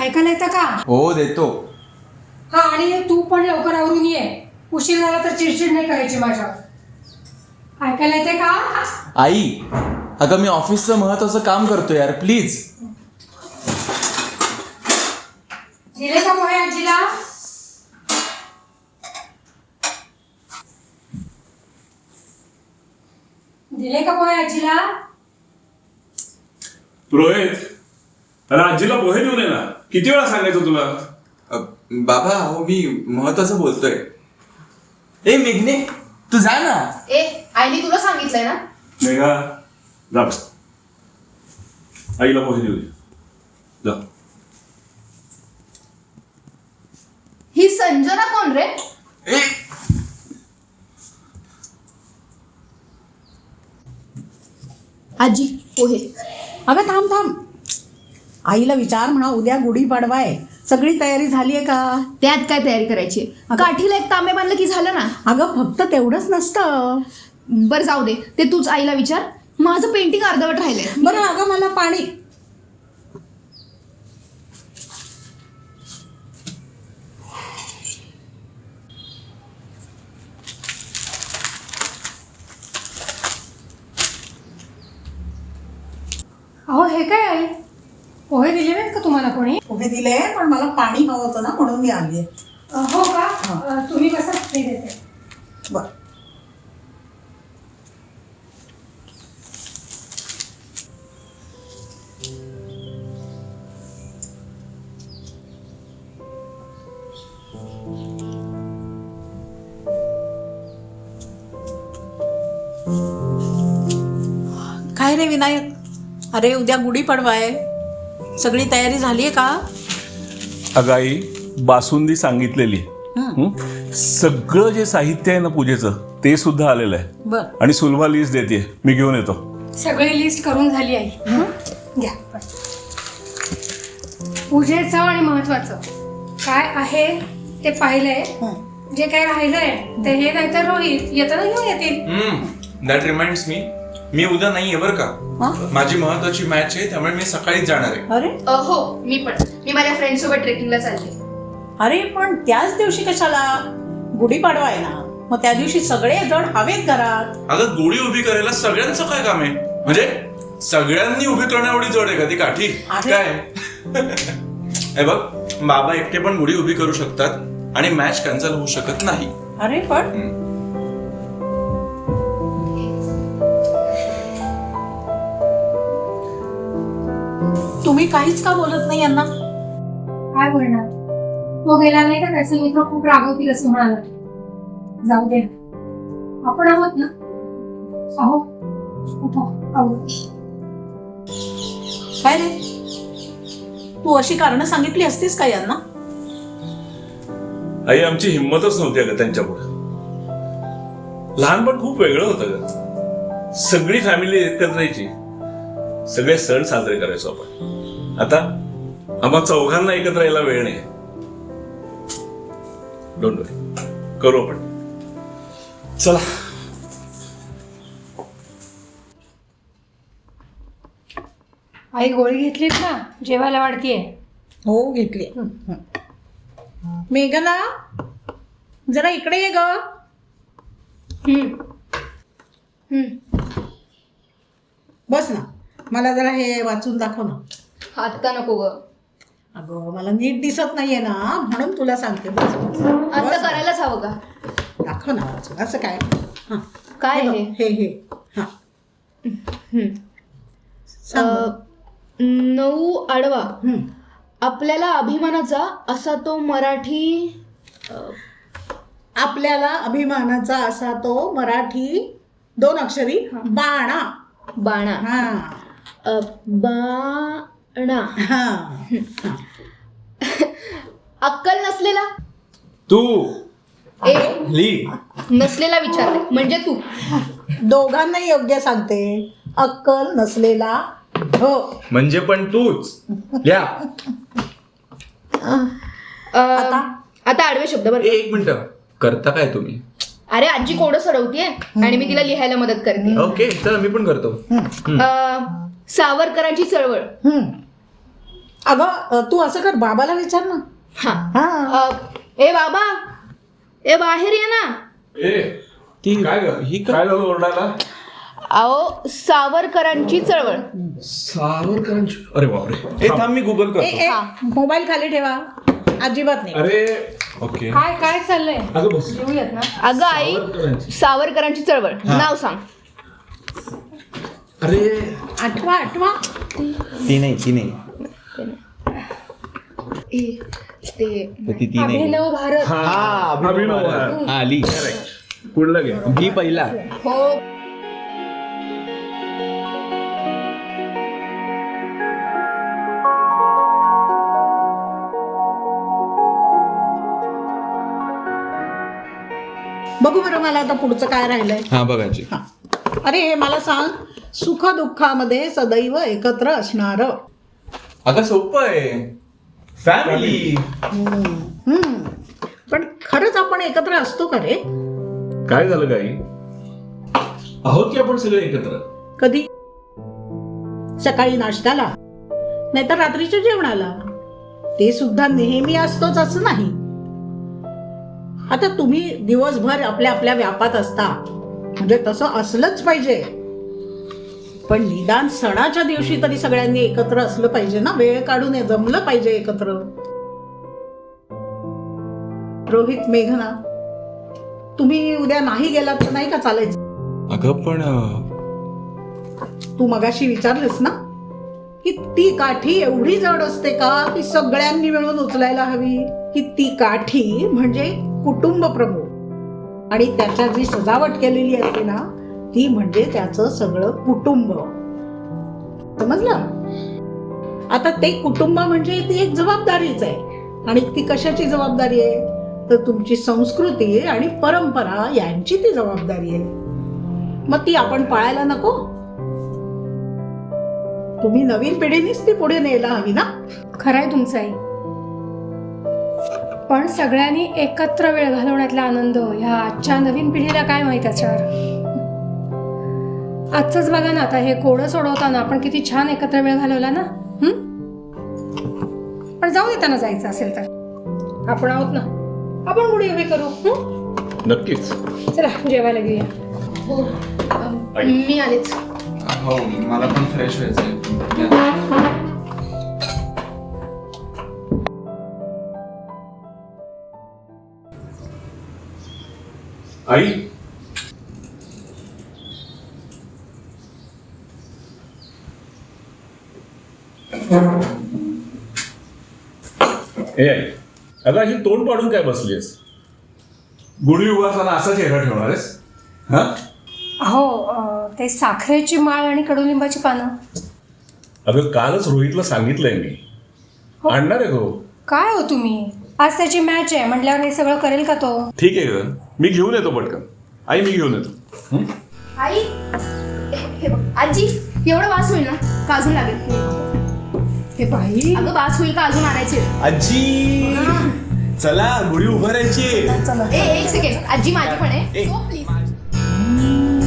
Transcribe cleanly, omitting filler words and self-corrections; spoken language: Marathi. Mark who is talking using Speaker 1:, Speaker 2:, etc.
Speaker 1: ऐकायला येतं का?
Speaker 2: हो देतो.
Speaker 1: हा, आणि तू पण लवकर आवरून ये. उशीर झाला तर चिडचिड नाही करायची माझ्यावर. ऐकायला येते का?
Speaker 2: आई, अगं मी ऑफिसचं महत्वाचं काम करतो यार, प्लीज.
Speaker 1: दिले का पोहे आजीला? दिले का पोहे आजीला?
Speaker 3: रोहित, अरे आजीला पोहे देऊन ये ना. किती वेळा सांगायचं तुला?
Speaker 2: बाबा हो, मी महत्वाचं बोलतोय. ए मेघने, तू जा ना.
Speaker 4: आईने तुला सांगितलंय ना.
Speaker 3: मेघा, जा बस. आईला पोहे देऊ दे. जा.
Speaker 4: ही संजना कोण रे?
Speaker 2: ए
Speaker 4: आजी पोहे.
Speaker 5: अगं थांब थांब, आईला विचार म्हणा, उद्या गुढीपाडवा आहे, सगळी तयारी झाली आहे का?
Speaker 4: त्यात काय तयारी करायची? काठीला एक तांबे बांधलं की झालं ना.
Speaker 5: अगं फक्त तेवढंच नसतं.
Speaker 4: बरं जाऊ दे, ते तूच आईला विचार. माझं पेंटिंग अर्धवट राहिलंय.
Speaker 5: बरं अगं मला पाणी.
Speaker 1: अहो हे काय आहे? पोहे दिले नाहीत का तुम्हाला कोणी?
Speaker 5: पोहे दिले, पण मला पाणी हवं होतं ना, म्हणून मी आली आहे.
Speaker 1: हो का? तुम्ही कसं ते देते.
Speaker 5: बरं. काय रे विनायक, अरे उद्या गुढीपाडवा आहे, सगळी तयारी झाली आहे का?
Speaker 3: अगं आई, बासुंदी सांगितलेली. सगळं जे साहित्य आहे ना पूजेचं, ते सुद्धा आलेलं आहे.
Speaker 5: बर.
Speaker 3: आणि सुलभा लिस्ट देते, मी घेऊन येतो.
Speaker 1: सगळी लिस्ट करून झाली आहे. घ्या. पूजेचं आणि महत्वाचं काय आहे ते पाहिलंय. जे काय राहिलंय ते हे नाहीतर रोहित येताना घेऊन येतील.
Speaker 2: दॅट रिमाइंड्स मी उद्या नाहीये बरं का. माझी महत्वाची मॅच आहे, त्यामुळे मी सकाळीच जाणार आहे.
Speaker 5: अरे
Speaker 4: हो, मी माझ्या फ्रेंड सोबत ट्रेकिंगला चालले.
Speaker 5: अरे पण त्याच दिवशी कशाला? गुढीपाडवा आहे ना, मग त्या दिवशी सगळे जण हवेत घरात.
Speaker 2: अगं गुढी उभी करायला सगळ्यांचं काय काम आहे? म्हणजे सगळ्यांनी उभी करण्या एवढी जड आहे का ती काठी? काय हे बघ, बाबा एकटे पण गुढी उभी करू शकतात आणि मॅच कॅन्सल होऊ शकत नाही.
Speaker 5: अरे पण तुम्ही काहीच का बोलत नाही यांना?
Speaker 1: काय बोलणार? तो गेला नाही तर त्याचे मित्र खूप रागवतील असं म्हणाला. जाऊ दे, आपण आहोत ना. आहोत.
Speaker 5: काय रे, तू अशी कारणं सांगितली असतीस का यांना?
Speaker 3: आई, आमची हिंमतच नव्हती अगं त्यांच्यापुढे. लहानपण खूप वेगळं होतं ग. सगळी फॅमिली एकत्र यायची, सगळे सण साजरे करायचो आपण. आता आम्हा चौघांना एकत्र यायला वेळ नाही. डोंट वरी, करू आपण. चला.
Speaker 1: आई गोळी घेतलीत ना? जेवायला वाढतीये.
Speaker 5: हो घेतली. मेघना, जरा इकडे ये ग. बस ना, मला जरा हे वाचून दाखव ना.
Speaker 4: आता नको ग.
Speaker 5: अगं मला नीट दिसत नाहीये ना, म्हणून तुला सांगते. बस बस.
Speaker 4: आता करायलाच हवं का?
Speaker 5: दाखव ना वाचून. असं काय? हां
Speaker 4: काय
Speaker 5: हे
Speaker 4: आहे?
Speaker 5: बघ, हे हां सांग बरं.
Speaker 4: 9 आडवा.
Speaker 5: हं.
Speaker 4: आपल्याला अभिमानाचा असा तो मराठी.
Speaker 5: आपल्याला अभिमानाचा असा तो मराठी 2 अक्षरी बाणा.
Speaker 4: बाणा.
Speaker 5: हां
Speaker 4: बाणा.
Speaker 5: हां.
Speaker 4: अक्कल नसलेला.
Speaker 3: तू
Speaker 4: ए
Speaker 2: ली.
Speaker 4: नसलेला विचारले म्हणजे तू.
Speaker 5: दोघांनाही योग्य सांगते. अक्कल नसलेला. हो
Speaker 2: म्हणजे पण तूच. या
Speaker 4: आता आडवे शब्द बरं.
Speaker 2: एक मिनिट, करता काय तुम्ही?
Speaker 4: अरे आजी कोडं सोडवतीये आणि मी तिला लिहायला मदत करते.
Speaker 2: ओके, चला मी पण करतो.
Speaker 4: सावरकरांची चळवळ.
Speaker 5: अगं तू असं कर, बाबाला विचार ना.
Speaker 4: हा
Speaker 5: हा
Speaker 4: ए बाबा, ए बाहेर ये ना.
Speaker 3: ती काय काय झालं ओरडायला?
Speaker 4: अहो, सावरकरांची चळवळ.
Speaker 3: सावरकरांची? अरे बापरे.
Speaker 2: ए थांब, मी गुगल
Speaker 5: ए
Speaker 2: करतो.
Speaker 5: ए मोबाईल खाली ठेवा, अजिबात नाही.
Speaker 3: अरे
Speaker 2: ओके.
Speaker 1: काय काय चाललंय
Speaker 3: अगं बस.
Speaker 1: येऊयात ना.
Speaker 4: अगं आई, सावरकरांची चळवळ नाव सांग.
Speaker 3: अरे
Speaker 5: आठवा आठवा.
Speaker 2: ती नाही ती
Speaker 1: अभिनव भारत.
Speaker 3: अभिनव.
Speaker 2: आली.
Speaker 3: पुढला घे.
Speaker 2: ही पहिला.
Speaker 4: हो.
Speaker 5: बघू बरं मला आता पुढचं काय राहिलंय.
Speaker 2: हा बघायची.
Speaker 5: हा. अरे हे मला सांग, सुख दुःखामध्ये सदैव एकत्र असणार.
Speaker 2: अगं सोपं आहे, फॅमिली.
Speaker 5: पण खरंच आपण एकत्र असतो का रे?
Speaker 3: काय झालं काही? आहोत की आपण सगळे एकत्र.
Speaker 5: कधी? सकाळी नाश्त्याला, नाहीतर रात्रीच्या जेवणाला. ते सुद्धा नेहमी असतोच असं नाही. आता तुम्ही दिवसभर आपल्या आपल्या व्यापात असता, म्हणजे तसं असलंच पाहिजे. पण निदान सणाच्या दिवशी तरी सगळ्यांनी एकत्र असलं पाहिजे ना, वेळ काढून जमलं पाहिजे एकत्र. रोहित, मेघना, तुम्ही उद्या नाही गेलात तर नाही का चालायचं?
Speaker 2: अगं पण
Speaker 5: तू मगाशी विचारलीस ना की ती काठी एवढी जड असते का की सगळ्यांनी मिळून उचलायला हवी? की ती काठी म्हणजे कुटुंब प्रमुख, आणि त्याच्या जी सजावट केलेली असते ना ती म्हणजे त्याचं सगळं कुटुंब. समजलं? आता ते कुटुंब म्हणजे ती एक जबाबदारीच आहे. आणि ती कशाची जबाबदारी आहे? तर तुमची संस्कृती आणि परंपरा यांची ती जबाबदारी आहे. मग ती आपण पाळायला नको? तुम्ही नवीन पिढीनेच ती पुढे न्यायला हवी ना.
Speaker 1: खरंय तुमचं आई, पण सगळ्यांनी एकत्र वेळ घालवण्यातला आनंद ह्या आजच्या नवीन पिढीला काय माहित असणार. आजच बघा ना, आता हे कोडं सोडवताना आपण किती छान एकत्र वेळ घालवला ना. पण जाऊ देताना जायचं असेल तर आपण आहोत ना, आपण गुढी उभी करू.
Speaker 3: नक्कीच.
Speaker 1: चला जेवायला घेऊया.
Speaker 4: हो, मी आलेच.
Speaker 2: हो, मला पण फ्रेश व्हायचंय.
Speaker 3: आई, ए आई, अगं अशी तोंड पाडून काय बसलीस? गुढी उभारताना असा चेहरा ठेवणार आहेस? हा?
Speaker 1: हो, ते साखरेची माळ आणि कडुलिंबाची पानं.
Speaker 3: अगं कालच रोहितला सांगितलंय मी, आणणार आहे तो.
Speaker 1: काय हो तुम्ही, आज त्याची मॅच आहे म्हटल्यावर हे सगळं करेल का तो?
Speaker 3: ठीक आहे ग, मी घेऊन येतो पटकन. आई, मी घेऊन येतो.
Speaker 4: आई, हे बघ आजी, एवढा वास होईल ना का अजून लागेल?
Speaker 5: हे बाई,
Speaker 4: अगं वास होईल का अजून आणायचे?
Speaker 2: आजी चला, गुढी उभारायची.
Speaker 5: चला.
Speaker 4: ए एक सेकंड, आजी माझी पण आहे. So, please.